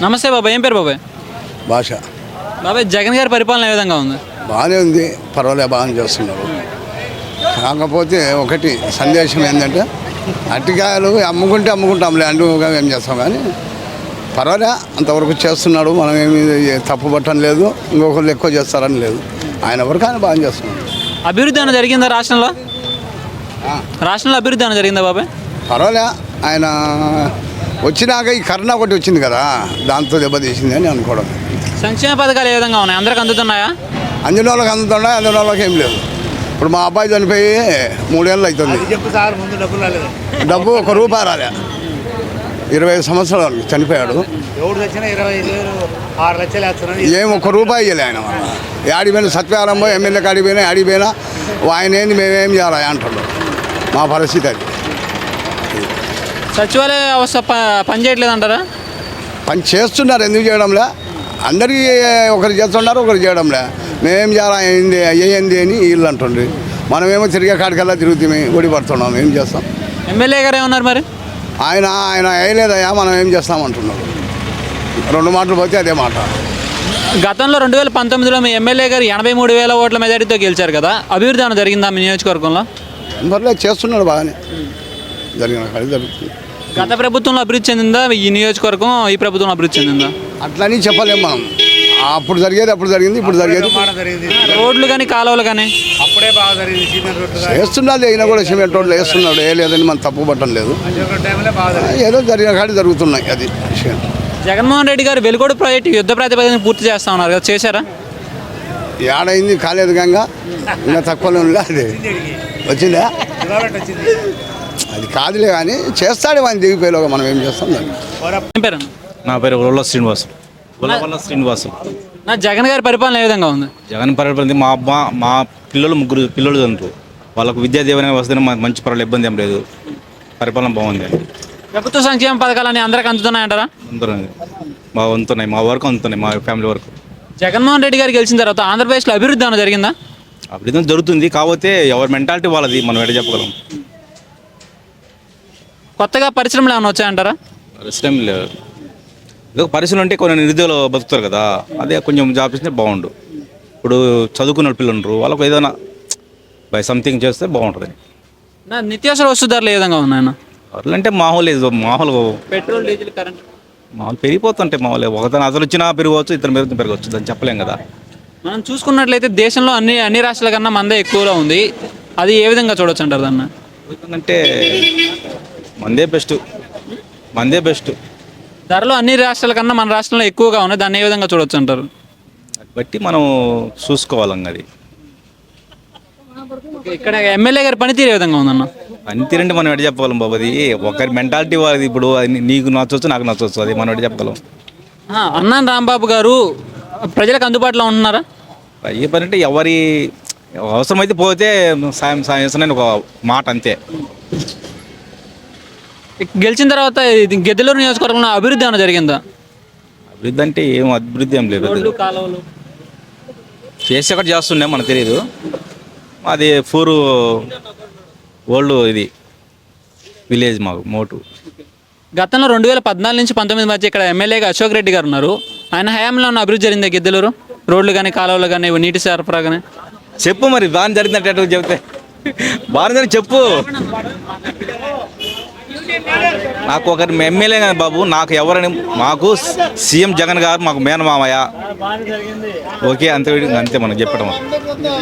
నమస్తే బాబాయ్, ఏం పేరు బాబాయ్? భాష బాబాయ్, జగన్ గారి పరిపాలన ఏ విధంగా ఉంది? బాగానే ఉంది, పర్వాలే, బాగానే చేస్తున్నారు. కాకపోతే ఒకటి సందేశం ఏంటంటే అరటికాయలు అమ్ముకుంటాంలే అంటుగా ఏం చేస్తాం, కానీ పర్వాలే అంతవరకు చేస్తున్నాడు. మనం ఏమి తప్పు పట్టడం లేదు, ఇంకొకరు ఎక్కువ చేస్తారని లేదు. ఆయన వరకు ఆయన బాగా చేస్తున్నాడు. అభివృద్ధి ఏమైనా జరిగిందా రాష్ట్రంలో? రాష్ట్రంలో అభివృద్ధి ఏమైనా జరిగిందా బాబాయ్? పర్వాలే, ఆయన వచ్చినాక ఈ కరోనా ఒకటి వచ్చింది కదా, దాంతో దెబ్బతీసింది అని అనుకోవడం. సంక్షేమ పథకాలు ఏ విధంగా ఉన్నాయి? అందరికి అందుతున్నాయా? అందిన వాళ్ళకి అందుతున్నాయి, అందిన వాళ్ళకి ఏం లేదు. ఇప్పుడు మా అబ్బాయి చనిపోయి 3 ఏళ్ళు అవుతుంది. డబ్బు ₹1 రాలే. 25 సంవత్సరాలు చనిపోయాడు. ఏం ₹1 ఇవ్వలే ఆయన. ఆడిపోయిన సత్యారంభం ఎమ్మెల్యేకి ఆడిపోయినా ఆయన ఏంది మేమేం చేయాలి అంటాడు. మా పరిస్థితి అది. సచివాలయ వ్యవస్థ పని చేయట్లేదు అంటారా? పని చేస్తున్నారు, ఎందుకు చేయడంలే? అందరికీ ఒకరు చేస్తున్నారు, ఒకరు చేయడంలే. మేమేం చేయాలి అయ్యింది అని వీళ్ళు అంటుండ్రి. మనమేమో తిరిగే కాడికల్లా తిరుగుతామే, ఓడిపడుతున్నాం. ఏం చేస్తాం? ఎమ్మెల్యే గారు ఏమన్నారు మరి? ఆయన వేయలేదయ్యా, మనం ఏం చేస్తామంటున్నాడు. 2 మాటలు పోతే అదే మాట. గతంలో 2019లో మీ ఎమ్మెల్యే గారు 83,000 ఓట్ల మెజారిటీతో గెలిచారు కదా, అభివృద్ధి ఏమైనా జరిగిందా మీ నియోజకవర్గంలో? పర్లేదు, చేస్తున్నాడు బాగానే, జరిగిన కాడి జరుగుతుంది. గత ప్రభుత్వంలో అభివృద్ధి చెందిందా ఈ నియోజకవర్గం, ఈ ప్రభుత్వంలో అభివృద్ధి చెందిందా? అట్లని చెప్పలేము మనం. అప్పుడు జరిగేది అప్పుడు జరిగింది, ఇప్పుడు జరిగేది. రోడ్లు కానీ కాలువలు కానీ అప్పుడే బాగా జరిగింది. వేస్తున్నాడు, అయినా కూడా సిమెంట్ రోడ్లు వేస్తున్నాడు. ఏ లేదని మనం తప్పు పట్టడం లేదు. ఏదో జరిగిన కాడి జరుగుతున్నాయి, అది విషయం. జగన్మోహన్ రెడ్డి గారు వెలుగోడు ప్రాజెక్టు యుద్ధ ప్రాతిపదికన పూర్తి చేస్తా ఉన్నారు కదా, చేశారా? ఏడైంది, కాలేదు గంగా, ఇంకా తక్కువలో అది వచ్చిందా? అది కాదులే, కానీ చేస్తాడు. ఆయన దిగిపోయేలోగా మనం ఏం చేస్తాం దాన్ని. ఏం పేరు? నా పేరు ఉల్ల శ్రీనివాసులు. నా జగన్ గారి పరిపాలన ఏ విధంగా ఉంది? జగన్ పరిపాలన మా పిల్లలు 3 పిల్లలు చదువుతారు. వాళ్ళకు విద్యా దీవెన వస్తే మంచి పర్వాలేదు, ఇబ్బంది ఏం లేదు. పరిపాలన బాగుంది. ప్రభుత్వ సంక్షేమ పథకాలని అందరికి అందుతున్నాయంటారా? అందుతున్నాయి, బాగా అందుతున్నాయి. మా వరకు అందుతున్నాయి, మా ఫ్యామిలీ వరకు. జగన్మోహన్ రెడ్డి గారు గెలిచిన తర్వాత ఆంధ్రప్రదేశ్లో అభివృద్ధి ఏమైనా జరిగిందా? అభివృద్ధి జరుగుతుంది, కాకపోతే ఎవరి మెంటాలిటీ వాళ్ళది, మనం ఎడ చెప్పగలం. కొత్తగా పరిశ్రమలు ఏమైనా వచ్చాయంటారా? పరిశ్రమ లేదు. ఏదో పరిశ్రమలు అంటే కొన్ని నిరుద్యోగులు బతుకుతారు కదా, అదే కొంచెం జాబ్ ఇస్తే బాగుండు. ఇప్పుడు చదువుకున్న పిల్లలు ఉండరు, వాళ్ళకు ఏదైనా బై సంథింగ్ చేస్తే బాగుంటుంది. నా నిత్యావసర వస్తు ధరలు ఏ విధంగా ఉన్నాయన్న? అట్లంటే మామూలు పెట్రోల్, డీజిల్, కరెంట్ మామూలు పెరిగిపోతుంటే మామూలు ఒకతను అసలు వచ్చినా పెరగవచ్చు, ఇతను పెరగవచ్చు, దాన్ని చెప్పలేం కదా. మనం చూసుకున్నట్లయితే దేశంలో అన్ని రాష్ట్రాల కన్నా మందే ఎక్కువలో ఉంది. అది ఏ విధంగా చూడొచ్చు అంటారు దాన్ని? ఎందుకంటే మందే బెస్ట్. ధరలు అన్ని రాష్ట్రాల కన్నా మన రాష్ట్రంలో ఎక్కువగా ఉన్నాయి, దాన్ని ఏ విధంగా చూడొచ్చు అంటారు? బట్టి మనం చూసుకోవాలంగా. అది ఇక్కడ ఎమ్మెల్యే గారి పనితీరు ఏ విధంగా ఉందన్న? పనితీరంటే మనం ఎడ చెప్పగలం బాబు, అది ఒకరి మెంటాలిటీ వాళ్ళది. ఇప్పుడు నీకు నచ్చవచ్చు, నాకు నచ్చవచ్చు, అది మనం ఎడ చెప్పగలం. అన్నాన్ రాంబాబు గారు ప్రజలకు అందుబాటులో ఉంటున్నారా? ఏ పని అంటే ఎవరి అవసరమైతే పోతే సాయం చేస్తానని ఒక మాట, అంతే. గెలిచిన తర్వాత గిద్దలూరు నియోజకవర్గంలో అభివృద్ధి ఏమైనా జరిగిందా? అభివృద్ధి అంటే ఏం అభివృద్ధి ఏం లేదు. చేసి ఒకటి చేస్తుండే మనకు తెలియదు. అది 4 ఓల్డ్ ఇది విలేజ్ మాకు మోటు. గతంలో 2014 నుంచి 19 మధ్య ఇక్కడ ఎమ్మెల్యేగా అశోక్ రెడ్డి గారు ఉన్నారు. ఆయన హయాంలో ఉన్న అభివృద్ధి జరిగిందా గిద్దలూరు? రోడ్లు కానీ, కాలువలు కానీ, నీటి సరఫరా కానీ? చెప్పు మరి, బాగా జరిగిందంటే చెప్తే బాగా జరిగి చెప్పు. నాకు ఒకరి ఎమ్మెల్యే కానీ బాబు, నాకు ఎవరని, మాకు సీఎం జగన్ గారు మాకు మేనమామయ్య. ఓకే, అంతే మనం చెప్పడం.